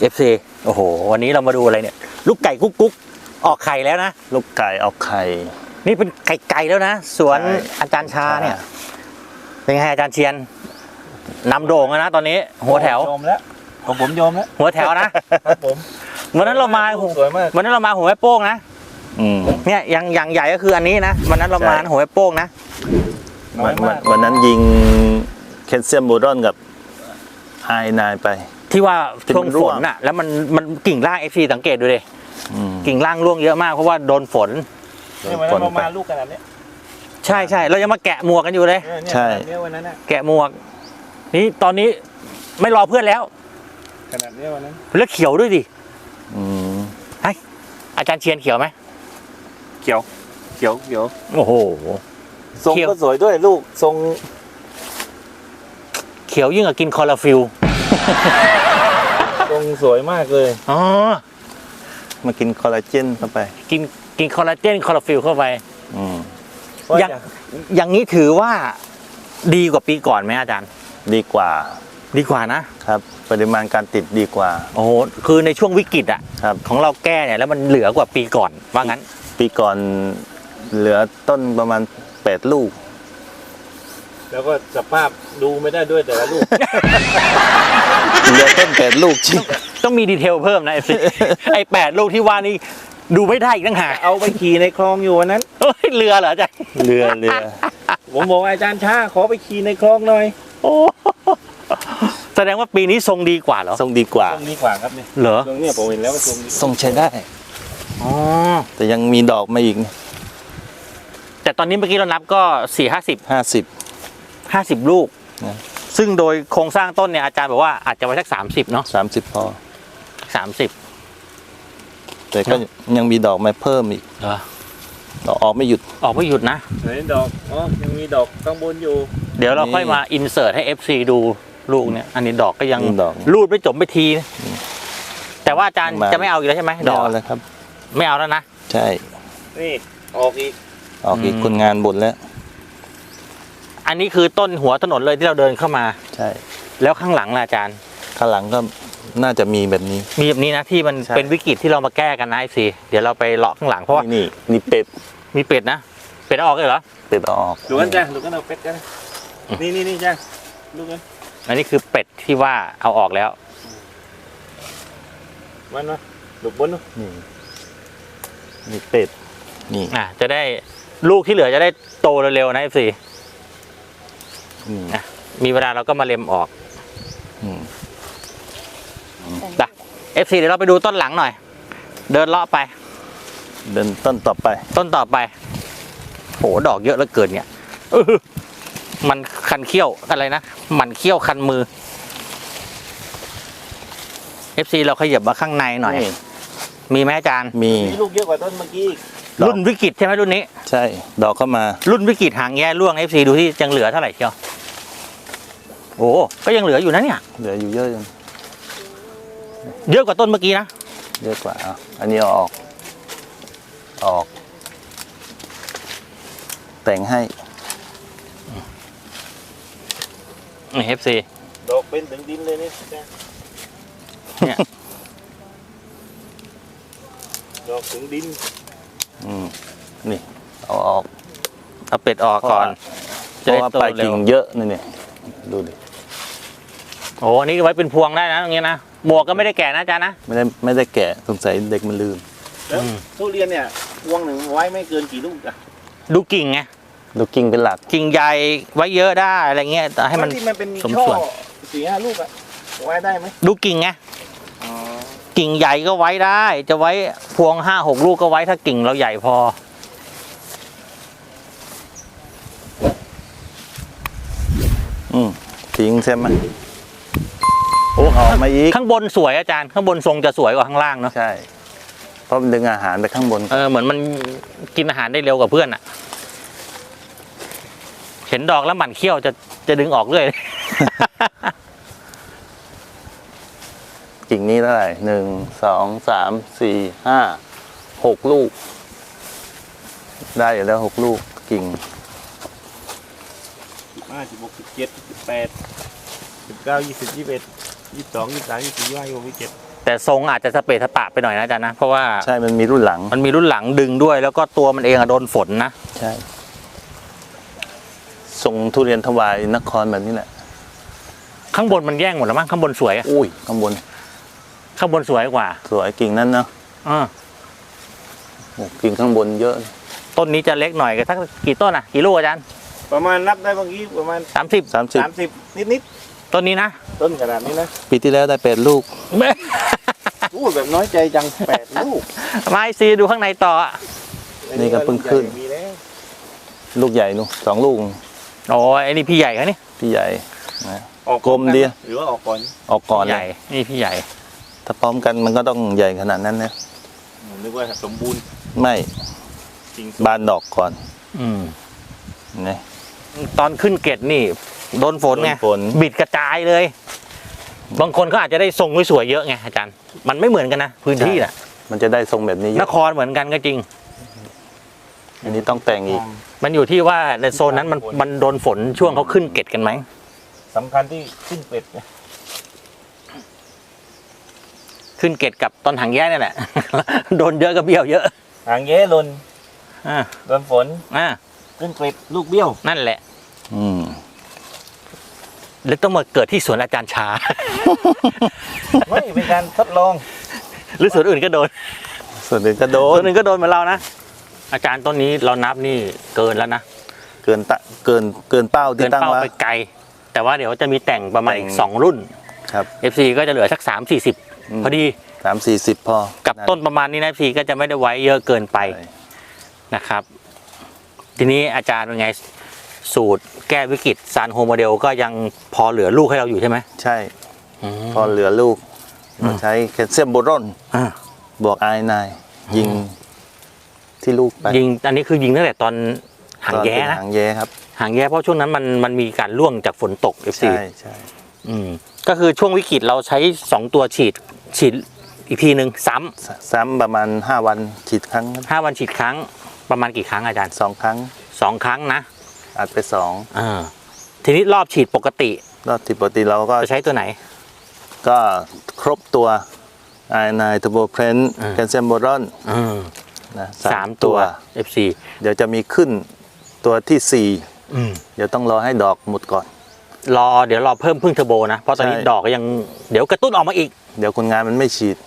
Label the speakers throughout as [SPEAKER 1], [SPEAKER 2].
[SPEAKER 1] FC โอ้โหวันนี้เรามาดูอะไรเนี่ยลูกไก่กุ๊กกุ๊กออกไข่แล้วนะ
[SPEAKER 2] ลูกไก่ออกไข่
[SPEAKER 1] นี่เป็นไก่แล้วนะสวนอาจารย์ชาเนี่ยเป็นไงอาจารย์เชียนนำโด่งนะตอนนี้หัวแถว
[SPEAKER 3] โยมแล้วผมโยมแล้ว
[SPEAKER 1] หัวแถวนะครับผมวันนั้นเรามา
[SPEAKER 3] สวยมาก
[SPEAKER 1] วันนั้นเรามาหัวแม่โป้งนะเนี่ยอย่างใหญ่ก็คืออันนี้นะวันนั้นเรามาหัวแม่โป้งนะ
[SPEAKER 2] วันนั้นยิงแคลเซียมโบรอนกับไฮนายไป
[SPEAKER 1] ที่ว่าช่วงฝนน่ะแล้วมันกิ่งล่าง FC สังเกตดูดิกิ่งล่างร่วงเยอะมากเพราะว่าโดนฝน
[SPEAKER 3] เนี่ยวันนั้นเรามาลูกขนาดนี้
[SPEAKER 1] ใช่เรายังมาแกะหมวกกันอยู่เลย
[SPEAKER 2] ใช่
[SPEAKER 3] วันนั้น
[SPEAKER 1] แกะหมวกนี่ตอนนี้ไม่รอเพื่อนแล้ว
[SPEAKER 3] ขนาดนี้วันนั้น
[SPEAKER 1] แล้วเขียวด้วยดิอาจารย์เชียนเขียวไหม
[SPEAKER 3] เขียว
[SPEAKER 1] โอ้โห
[SPEAKER 3] ทรงก็สวยด้วยลูกทรง
[SPEAKER 1] เขียวยิ่งกว่ากินคอลลาฟิล
[SPEAKER 3] ทรงสวยมากเลย
[SPEAKER 1] อ๋อ
[SPEAKER 2] มากินคอลลาเจนเข้าไป
[SPEAKER 1] กินคอลลาเจนคอลลาฟิลเข้าไปอย่างนี้ถือว่าดีกว่าปีก่อนไหมอาจารย์
[SPEAKER 2] ดีกว่า
[SPEAKER 1] นะครับ
[SPEAKER 2] ปริมาณการติดดีกว่า
[SPEAKER 1] โอ้โหคือในช่วงวิกฤตอ่ะของเราแก้เนี่ยแล้วมันเหลือกว่าปีก่อนว่างั้น
[SPEAKER 2] ปีก่อนเหลือต้นประมาณ8 ลูก
[SPEAKER 3] แล้วก็สภาพดูไม่ได้ด้วยแต่ละลูก
[SPEAKER 2] เหลือต้น8 ลูกจริง
[SPEAKER 1] ต้องมีดีเทลเพิ่มนะไอ้8 ลูกที่ว่านี่ดูไม่ได้อีกตั้งหาก
[SPEAKER 3] เอาไปขี่ในคลองอยู่วันนั้น
[SPEAKER 1] เรือเหรออาจารย์
[SPEAKER 2] เรือ
[SPEAKER 3] ผมบอกอาจารย์ช้าขอไปขี่ในคลองหน่อย
[SPEAKER 1] โอ้แสดงว่าปีนี้ทรงดีกว่าเหรอ
[SPEAKER 2] ทรงดีกว่า
[SPEAKER 3] ครับเนี่ย
[SPEAKER 1] เหรอ
[SPEAKER 3] ตรงนี้ผมเห็นแล้วว่า
[SPEAKER 2] ทรงใช้ได้
[SPEAKER 1] อ๋อ
[SPEAKER 2] แต่ยังมีดอกมาอีก
[SPEAKER 1] แต่ตอนนี้เมื่อกี้เรานับก็50 ลูกซึ่งโดยโครงสร้างต้นเนี่ยอาจารย์บอกว่าอาจจะไว้สัก30เนาะ
[SPEAKER 2] 30พอ
[SPEAKER 1] 30
[SPEAKER 2] แต่ก็ยังมีดอกมาเพิ่มอีกออกไม่หยุด
[SPEAKER 1] นะ
[SPEAKER 3] ไหนดอกยังมีดอกข้างบนอยู่
[SPEAKER 1] เดี๋ยวเราค่อยมาอินเสิร์ตให้ FC ดูลูกเนี่ยอันนี้ดอกก็ยังรูดไม่จบไม่ทีแต่ว่าอาจารย์จะไม่เอาอีกแล้วใช่ไหมดอก
[SPEAKER 2] แล้วครับ
[SPEAKER 1] ไม่เอาแล้วนะ
[SPEAKER 2] ใช่
[SPEAKER 3] นี่ออกอีก
[SPEAKER 2] คนงานบ่นแล้ว
[SPEAKER 1] อันนี้คือต้นหัวถนนเลยที่เราเดินเข้ามา
[SPEAKER 2] ใช่
[SPEAKER 1] แล้วข้างหลังล่ะอาจารย์
[SPEAKER 2] ข้างหลังก็น่าจะมีแบบนี้
[SPEAKER 1] นะที่มันเป็นวิกฤตที่เรามาแก้กันนะสิเดี๋ยวเราไปเลาะข้างหลังเพราะว่า
[SPEAKER 2] นี่เป็ด
[SPEAKER 1] มีเป็ดนะเป็ดออกเลยเหรอ
[SPEAKER 2] เป็ดออก
[SPEAKER 3] ดูกันจ้ะดูกันเอาเป็ดกันนี่จ้ะดูกัน
[SPEAKER 1] อันนี้คือเป็ดที่ว่าเอาออกแล้ว
[SPEAKER 3] มันนะดูบน
[SPEAKER 2] นี่เป็ดนี่
[SPEAKER 1] จะได้ลูกที่เหลือจะได้โตเร็วๆนะสิมีเวลาเราก็มาเล็มออกFC เดี๋ยวเราไปดูต้นหลังหน่อยเดินเลาะไป
[SPEAKER 2] เดินต้นต่อไป
[SPEAKER 1] โหดอกเยอะเหลือเกินเนี่ยมันคันเขี้ยวอะไรนะมันเขี้ยวคันมือ FC เราขยับมาข้างในหน่อยมีไหมอาจารย์
[SPEAKER 2] มี
[SPEAKER 3] ลูกเยอะกว่าต้นเมื่อกี้
[SPEAKER 1] รุ่นวิกฤตใช่ไหมรุ่นนี้
[SPEAKER 2] ใช่ดอกเข้ามา
[SPEAKER 1] รุ่นวิกฤตหางแย่ร่วง FC ดูที่ยังเหลือเท่าไหร่เชียวโอ้ก็ยังเหลืออยู่นะเนี่ย
[SPEAKER 2] เหลืออยู่เยอะยัง
[SPEAKER 1] เยอะกว่าต้นเมื่อกี้นะ
[SPEAKER 2] เยอะกว่าอันนี้ออกแต่งให้
[SPEAKER 1] FC
[SPEAKER 3] ดอกเป็นถึงดินเลยเนี่ยดอกถึงดิน
[SPEAKER 2] นี่เอา
[SPEAKER 1] เป็ดออกก่อน
[SPEAKER 2] จะได้โตเร็วเยอะนี่ดูดิ
[SPEAKER 1] โอ้นี่ไว้เป็นพวงได้นะตรงนี้นะหมวกก็ไม่ได้แก่นะอาจารย์นะ
[SPEAKER 2] ไม่ได้แก่สงสัยเด็กมันลืม
[SPEAKER 3] แล้วทุเรียนเนี่ยพวงหนึ่งไว้ไม่เกินกี่ลูกอะ
[SPEAKER 1] ดูกิ่งไง
[SPEAKER 2] ดูกิ่งเป็นหลัก
[SPEAKER 1] กิ่งใหญ่ไว้เยอะได้อะไรเงี้ยแต่ให้มัน
[SPEAKER 3] สมส่วน4-5 ลูกอะไว้ได้ไหม
[SPEAKER 1] ดูกิ่งไงกิ่งใหญ่ก็ไว้ได้จะไว้พวง5-6 ลูกก็ไว้ถ้ากิ่งเราใหญ่พอ
[SPEAKER 2] ทิ้งใช่ไหมโอ้ออกมาอีก
[SPEAKER 1] ข้างบนสวยอาจารย์ข้างบนทรงจะสวยกว่าข้างล่างเนาะ
[SPEAKER 2] ใช่เพราะมันดึงอาหารไปข้างบน
[SPEAKER 1] เหมือนมันกินอาหารได้เร็วกว่าเพื่อนอ่ะเห็นดอกแล้วหมั่นเขี้ยวจะดึงออกเรื่อย
[SPEAKER 2] กิ่งนี้เท่าไหร่1 2 3 4 5 6 ลูกได้อยู่แล้ว6 ลูกกิ่ง
[SPEAKER 3] 15 16 17 18 19 20 21 22 23 24 25 26 27
[SPEAKER 1] แต่ทรงอาจจะสเปะสปะไปหน่อยนะอาจารย์นะเพราะว่า
[SPEAKER 2] ใช่มันมีรุ่นหลัง
[SPEAKER 1] มันมีรุ่นหลังดึงด้วย แล้วก็ตัวมันเองอะโดนฝนนะ
[SPEAKER 2] ใช่ทรงทุเรียนถวายนครแบบนี้แหละ
[SPEAKER 1] ข้างบนมันแย่งหมดแล้วมั้งข้างบนสวยอะ
[SPEAKER 2] อุ้ยข้างบน
[SPEAKER 1] ข้างบนสวยกว่า
[SPEAKER 2] สวยกิ่งนั้นเนาะ
[SPEAKER 1] อ่า
[SPEAKER 2] โอ้กิ่งข้างบนเยอะ
[SPEAKER 1] ต้นนี้จะเล็กหน่อยสักกี่ต้นอะกี่ลูกอาจารย์
[SPEAKER 3] ประมาณนับได้เมื่อกี้ประมาณ
[SPEAKER 1] 30
[SPEAKER 2] 30
[SPEAKER 3] 30นิด
[SPEAKER 1] ต้นนี้นะ
[SPEAKER 3] ๆต้นขนาดนี้นะ
[SPEAKER 2] ปีที่แล้วได้8 ลูก
[SPEAKER 3] พูดแบบน้อยใจจัง8 ลูก
[SPEAKER 1] ไม่ซีดูข้างในต่ออะ
[SPEAKER 2] นี่ก็เพิ่งขึ้น
[SPEAKER 3] มีแล้ว
[SPEAKER 2] ลูกใหญ่นู่น2 ลูก
[SPEAKER 1] โอ้ยไอ้นี่พี่ใหญ่เขานี่
[SPEAKER 2] พี่ใหญ่นะ
[SPEAKER 3] ออก
[SPEAKER 2] กลมดี
[SPEAKER 3] หรือว่าออกก่อน
[SPEAKER 2] ออกก่อน
[SPEAKER 1] พี่
[SPEAKER 2] เล
[SPEAKER 1] ใหญ่
[SPEAKER 2] ย
[SPEAKER 1] นี่พี่ใหญ่
[SPEAKER 2] ถ้าพร้อมกันมันก็ต้องใหญ่ขนาดนั้นนะ
[SPEAKER 3] ผมนึกว่าสมบูรณ์
[SPEAKER 2] ไม่
[SPEAKER 3] จริง
[SPEAKER 2] บานดอกก่อน
[SPEAKER 1] อืม
[SPEAKER 2] นะ
[SPEAKER 1] ตอนขึ้นเกตนี่โดนฝนไง
[SPEAKER 2] โดนฝน
[SPEAKER 1] บิดกระจายเลย บางคนเขาอาจจะได้ทรงสวยๆเยอะไงอาจารย์ มันไม่เหมือนกันนะพื้นที่น่ะ
[SPEAKER 2] มันจะได้ทรงแบบนี้เย
[SPEAKER 1] น
[SPEAKER 2] อะ
[SPEAKER 1] ครเหมือนกันก็จริง
[SPEAKER 2] อันนี้ต้องแต่งอีก
[SPEAKER 1] มันอยู่ที่ว่าในโซนนั้นมันโดนฝนช่วงเขาขึ้นเกตกันไหม
[SPEAKER 3] สำคัญที่ขึ้นเป็ดนะ
[SPEAKER 1] ขึ้นเกตกับตอนหางแย่นี่แหละ โดนเยอะก็เบี้ยวเยอะ
[SPEAKER 3] หางแย้หลน
[SPEAKER 1] อ่า
[SPEAKER 3] โดนฝน
[SPEAKER 1] อ่า
[SPEAKER 3] ขึ้นเป็ดลูกเบี้ยว
[SPEAKER 1] นั่นแหละ
[SPEAKER 2] อืม
[SPEAKER 1] แล้วต้องมาเกิดที่สวนอาจารย์ชา
[SPEAKER 3] ไม่เป็นการทดลอง
[SPEAKER 1] หรือสวนอื่นก็โดน
[SPEAKER 2] ส่วนอื่นก็โด
[SPEAKER 1] สวน นอื่นก็โดนเหมือนเรานะ อาจารย์ต้นนี้เรานับนี่เกินแล้วนะ
[SPEAKER 2] เกินเป้า
[SPEAKER 1] เกิ
[SPEAKER 2] ที่
[SPEAKER 1] น
[SPEAKER 2] ตั้ง
[SPEAKER 1] เป้า
[SPEAKER 2] ไว้
[SPEAKER 1] ไปไกล แต่ว่าเดี๋ยวจะมีแต่งประมาณอีก
[SPEAKER 2] แต่ง
[SPEAKER 1] 2 รุ่น
[SPEAKER 2] ครับ
[SPEAKER 1] FC ก็จะเหลือสัก3-40 พอดี
[SPEAKER 2] 30-40 พอ
[SPEAKER 1] กับต้นประมาณนี้นะ FC ก็จะไม่ได้ไว้เยอะเกินไป
[SPEAKER 2] ใช่
[SPEAKER 1] นะครับ ทีนี้อาจารย์เป็นไงสูตรแก้วิกฤตซานโฮโมเดลก็ยังพอเหลือลูกให้เราอยู่ใช่ไหม
[SPEAKER 2] ใช่
[SPEAKER 1] อืม
[SPEAKER 2] พอเหลือลูกเราใช้แคลเซียมโบรอน
[SPEAKER 1] อ่า
[SPEAKER 2] บวกไอไนยิงที่ลูกไป
[SPEAKER 1] ยิงอันนี้คือยิงตั้งแต่ตอนหางแย้
[SPEAKER 2] ตอเป็
[SPEAKER 1] นะ
[SPEAKER 2] หางแย้ครับ
[SPEAKER 1] หางแย้เพราะช่วงนั้นมันมีการร่วงจากฝนตก FC
[SPEAKER 2] ใช่ใช่
[SPEAKER 1] ก็คือช่วงวิกฤตเราใช้2ตัวฉีดอีกทีหนึ่ง
[SPEAKER 2] ซ้ำประมาณ5 วันฉีดครั้ง
[SPEAKER 1] 5 วันฉีดครั้งประมาณกี่ครั้งอาจารย์
[SPEAKER 2] 2 ครั้ง
[SPEAKER 1] 2 ครั้งนะ
[SPEAKER 2] อัดไป
[SPEAKER 1] ทีนี้รอบฉีดปกติ
[SPEAKER 2] 2รอบที่ปกติเราก็
[SPEAKER 1] จะใช้ตัวไหน
[SPEAKER 2] ก็ครบตัวไอไนเทอร์โบเพรน
[SPEAKER 1] อ่า
[SPEAKER 2] แคลเซียมโบรอนนะ
[SPEAKER 1] สามตัว FC
[SPEAKER 2] เดี๋ยวจะมีขึ้นตัวที่
[SPEAKER 1] อืม
[SPEAKER 2] 4 เดี๋ยวต้องรอให้ดอกหมดก่อน
[SPEAKER 1] เดี๋ยวรอเพิ่มพึ่งเทอร์โบนะ เพราะตอนนี้
[SPEAKER 2] ใช่
[SPEAKER 1] ดอกก็ยังเดี๋ยวกระตุ้นออกมาอีก
[SPEAKER 2] เดี๋ยวคนงานมันไม่ฉีด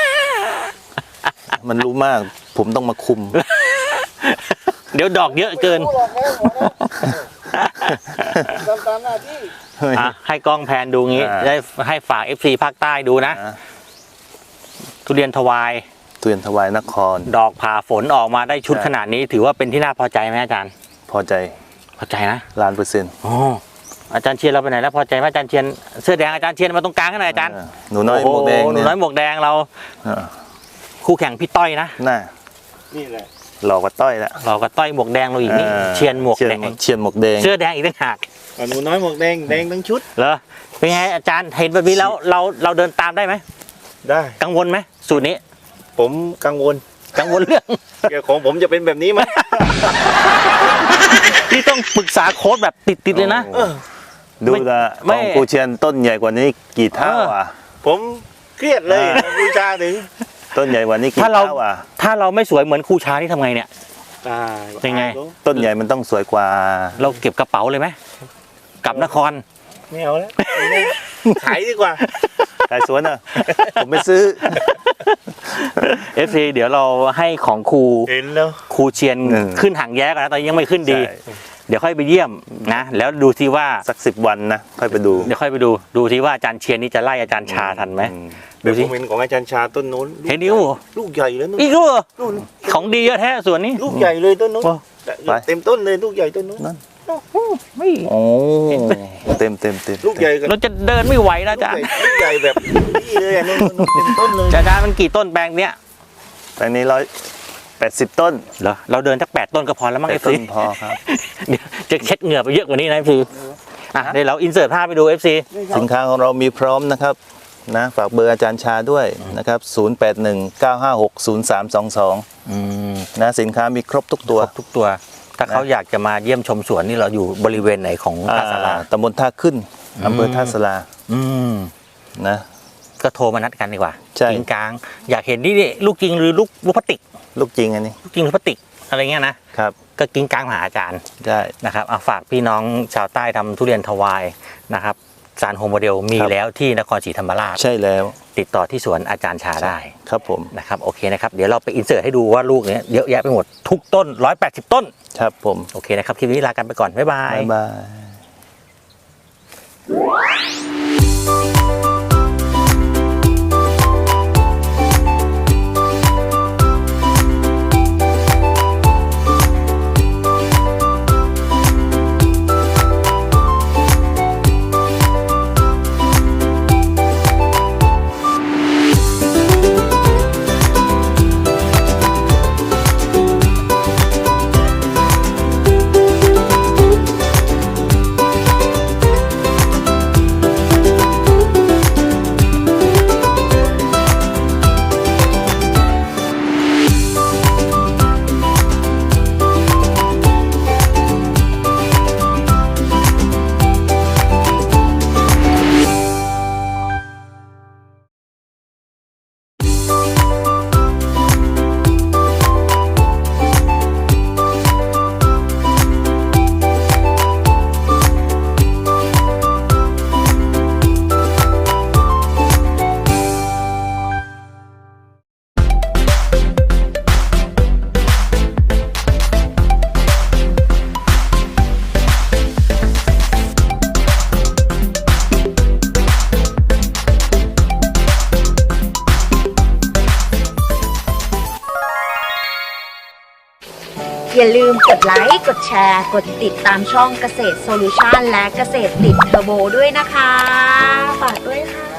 [SPEAKER 2] มันรู้มาก ผมต้องมาคุม
[SPEAKER 1] เดี๋ยวดอกเยอะเกิน
[SPEAKER 3] รู้หรอกแล้วหัวหน้าทำตามหน้าที่
[SPEAKER 1] ให้กล้องแพนดูงี้
[SPEAKER 2] อ่า
[SPEAKER 1] ได้ให้ฝาก FC ภาคใต้ดูนะ
[SPEAKER 2] นะ
[SPEAKER 1] ทุเรียนทวาย
[SPEAKER 2] ทุเรียนถวายนคร
[SPEAKER 1] ดอกผ่าฝนออกมาได้ชุด
[SPEAKER 2] ใช่
[SPEAKER 1] ขนาดนี้ ถือว่าเป็นที่น่าพอใจไหมอาจารย์
[SPEAKER 2] พอใจ
[SPEAKER 1] พอใจนะ
[SPEAKER 2] 1,000,000%
[SPEAKER 1] อ๋ออาจารย์เชียนเราไปไหนแล้วพอใจไหมอาจารย์เชียนเสื้อแดงอาจารย์เชียนมาตรงกลางให้หน่อยอาจารย์
[SPEAKER 2] หนูน้อยหมวกแดง
[SPEAKER 1] โอ้โหหนู
[SPEAKER 2] เนี่ย
[SPEAKER 1] น้อยหมวกแดงเรา
[SPEAKER 2] อ่า
[SPEAKER 1] คู่แข่งพี่ต้อยนะ
[SPEAKER 2] น่า
[SPEAKER 3] นี่แหละ
[SPEAKER 2] หลอกกว่าต้อยละ
[SPEAKER 1] เราก็ต้อยหมวกแดงเราอีกนี่
[SPEAKER 2] อ่า
[SPEAKER 1] เชียนหมวกแดง
[SPEAKER 2] เชียนหมวกแดง
[SPEAKER 1] เสื้อแดงอีกต่างหาก
[SPEAKER 3] หนูน้อยหมวกแดงแดงทั้งชุด
[SPEAKER 1] เหรอเป็นไงอาจารย์เห็นแบบนี้แล้วเราเดินตามได้ไหม
[SPEAKER 3] ได้
[SPEAKER 1] กังวลไหมสูตรนี้
[SPEAKER 3] ผมกังวล
[SPEAKER 1] กังวลเรื่อง
[SPEAKER 3] เกี่ยวของผมจะเป็นแบบนี้ไหม
[SPEAKER 1] ที่ต้องปรึกษาโค้ดแบบติดๆเลยนะ
[SPEAKER 3] เออ
[SPEAKER 2] ดูละ
[SPEAKER 1] ไม่
[SPEAKER 2] ของกูเชียนต้นใหญ่กว่านี้กี่เท่าอ่ะ
[SPEAKER 3] ผมเครียดเลย
[SPEAKER 2] อ่า
[SPEAKER 3] บูชาถึง
[SPEAKER 2] ต้นใหญ่กว่านี้กี่
[SPEAKER 1] ถ้าเรา
[SPEAKER 2] เท่าอ่ะ
[SPEAKER 1] ถ้าเราไม่สวยเหมือนครูช้านี่ทำไงเนี่ย
[SPEAKER 3] ตาย
[SPEAKER 1] เป็นไง
[SPEAKER 2] ต้นใหญ่มันต้องสวยกว่า
[SPEAKER 1] เราเก็บกระเป๋าเลยไหมกลับนคร
[SPEAKER 3] ไม่เอาแล้วขายดีกว่า
[SPEAKER 2] ขายสวนอ่ะ ผมไม่ซื้อ
[SPEAKER 1] FC เดี๋ยวเราให้ของครู
[SPEAKER 3] เห็นแล้ว
[SPEAKER 1] ครูเชียน
[SPEAKER 2] อืม
[SPEAKER 1] ขึ้นหางแย้กันนะตอนนี้ยังไม่ขึ้นดี
[SPEAKER 2] ใช่
[SPEAKER 1] เดี๋ยวค่อยไปเยี่ยมนะ แล้วดูซิว่า
[SPEAKER 2] สัก10 วันนะ ค่อยไปดู
[SPEAKER 1] เดี๋ยวค่อยไปดูซิว่าอาจารย์เชียนนี่จะไล่อาจารย์ชาทันไหม
[SPEAKER 2] อื
[SPEAKER 3] เดี๋
[SPEAKER 1] ดู
[SPEAKER 3] ยวผ
[SPEAKER 1] สิ
[SPEAKER 3] มเห็นของอาจารย์ชาต้นนู้น
[SPEAKER 1] เห็นดิว
[SPEAKER 3] ลูกใหญ่แล้วนู้น
[SPEAKER 1] อีกแล้วเหรอ
[SPEAKER 3] นู่น
[SPEAKER 1] ของดีเยอะแท้ส่วนนี้
[SPEAKER 3] ลูกใหญ่เลยต้นนู้น
[SPEAKER 1] โอ้
[SPEAKER 3] เต็มต้นเลยลูกใหญ่ต้นนู้น
[SPEAKER 1] ไม่
[SPEAKER 2] โอ้เต็ม
[SPEAKER 3] ลูกใหญ่กัน
[SPEAKER 1] เราจะเดินไม่ไหวแล้วอาจารย์
[SPEAKER 3] ลูกใหญ่แบบนี่เลยอ่ะนู่นเต็มต้นเลย
[SPEAKER 1] อาจารย์มันกี่ต้นแปลงเนี้ย
[SPEAKER 2] แปลงนี้180 ต้น
[SPEAKER 1] เหรอเราเดินสัก8 ต้นก็พอแล้วมั้ง
[SPEAKER 2] 8
[SPEAKER 1] เอฟ
[SPEAKER 2] ต้
[SPEAKER 1] ซี
[SPEAKER 2] นพอครับ
[SPEAKER 1] เดี๋ยวจะเช็ดเหงื่อไปเยอะกว่านี้นะเอฟซีเดี๋ยวเราอินเสิร์ตภาพไปดูเอฟซี
[SPEAKER 2] สินค้าของเรามีพร้อมนะครับนะฝากเบอร์อาจารย์ชาด้วยนะครับ 0819560322 นะสินค้ามีครบทุกตัว
[SPEAKER 1] ทุกตัว ถ้าเขาอยากจะมาเยี่ยมชมสวนนี่เราอยู่บริเวณไหนของท่าสารา
[SPEAKER 2] ตำบลท่าขึ้นอำเภอท่าสลา
[SPEAKER 1] อืม
[SPEAKER 2] นะ
[SPEAKER 1] ก็โทรมานัดกันดีกว่า
[SPEAKER 2] ใช่
[SPEAKER 1] จริงกลางอยากเห็นนี่ลูกจริงหรือลูกพลาสติก
[SPEAKER 2] ลูกจริงอันนี้
[SPEAKER 1] ลูกจริงหรือพลาสติกอะไรเงี้ยนะครับ ก็กิ้งกลางมาหาอาจารย์
[SPEAKER 2] ได้
[SPEAKER 1] นะครับเอาฝากพี่น้องชาวใต้ทำทุเรียนทวายนะครับสารโฮโมเดลมีแล้วที่นครศรีธรรมราช
[SPEAKER 2] ใช่แล้ว
[SPEAKER 1] ติดต่อที่สวนอาจารย์ชาได้
[SPEAKER 2] ครับผม
[SPEAKER 1] นะครับโอเคนะครับเดี๋ยวเราไปอินเสิร์ตให้ดูว่าลูกเนี้ยเยอะแยะไปหมดทุกต้น180ต้น
[SPEAKER 2] ครับผม
[SPEAKER 1] โอเคนะครับคลิปนี้ลากันไปก่อนบ๊ายบาย
[SPEAKER 2] บ๊ายบาย
[SPEAKER 4] อย่าลืมกดไลค์ กดแชร์ กดติดตามช่องเกษตรโซลูชันและเกษตรติดเทอร์โบด้วยนะคะ ฝากด้วยค่ะ